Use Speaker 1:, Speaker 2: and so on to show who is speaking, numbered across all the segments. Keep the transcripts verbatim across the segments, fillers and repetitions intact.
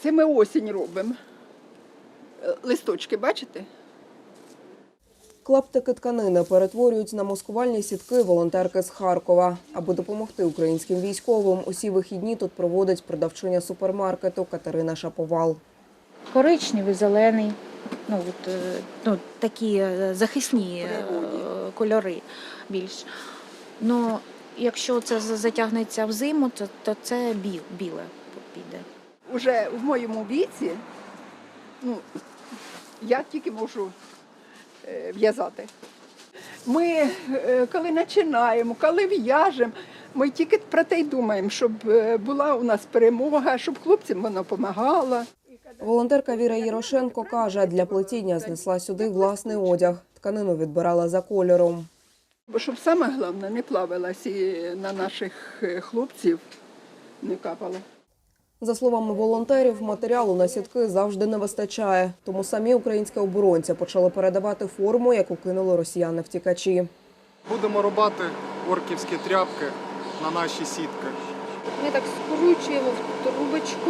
Speaker 1: Це ми осінь робимо. Листочки, бачите?
Speaker 2: Клаптики тканини перетворюють на маскувальні сітки волонтерки з Харкова. Аби допомогти українським військовим, усі вихідні тут проводить продавчиня супермаркету Катерина Шаповал.
Speaker 3: Коричневий, зелений, ну, от, ну, такі захисні кольори більш. Ну, якщо це затягнеться в зиму, то, то це біл, біле піде.
Speaker 1: Уже в моєму віці, ну, я тільки можу в'язати. Ми, коли починаємо, коли в'яжемо, ми тільки про те й думаємо, щоб була у нас перемога, щоб хлопцям вона допомагала.
Speaker 2: Волонтерка Віра Єрошенко каже, для плетіння знесла сюди власний одяг. Тканину відбирала за кольором.
Speaker 1: Бо щоб саме головне не плавилась і на наших хлопців не капало.
Speaker 2: За словами волонтерів, матеріалу на сітки завжди не вистачає. Тому самі українські оборонці почали передавати форму, яку кинули росіяни-втікачі.
Speaker 4: Будемо рубати орківські тряпки на наші сітки.
Speaker 5: Ми так скручуємо в трубочку.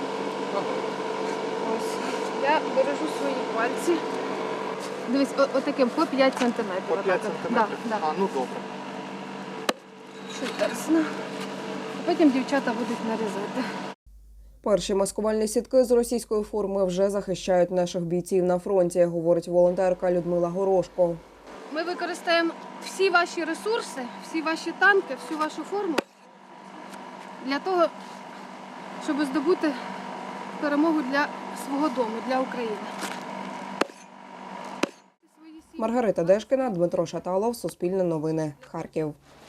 Speaker 5: Ось. Я бережу свої пальці. Дивись, отаким по п'ять сантиметрів.
Speaker 4: По п'ять сантиметрів?
Speaker 5: Да, да.
Speaker 4: А, ну добре.
Speaker 5: Чудесно. Потім дівчата будуть нарізати.
Speaker 2: Перші маскувальні сітки з російської форми вже захищають наших бійців на фронті, говорить волонтерка Людмила Горошко.
Speaker 5: Ми використаємо всі ваші ресурси, всі ваші танки, всю вашу форму для того, щоб здобути перемогу для свого дому, для України.
Speaker 2: Маргарита Дешкіна, Дмитро Шаталов, Суспільне новини, Харків.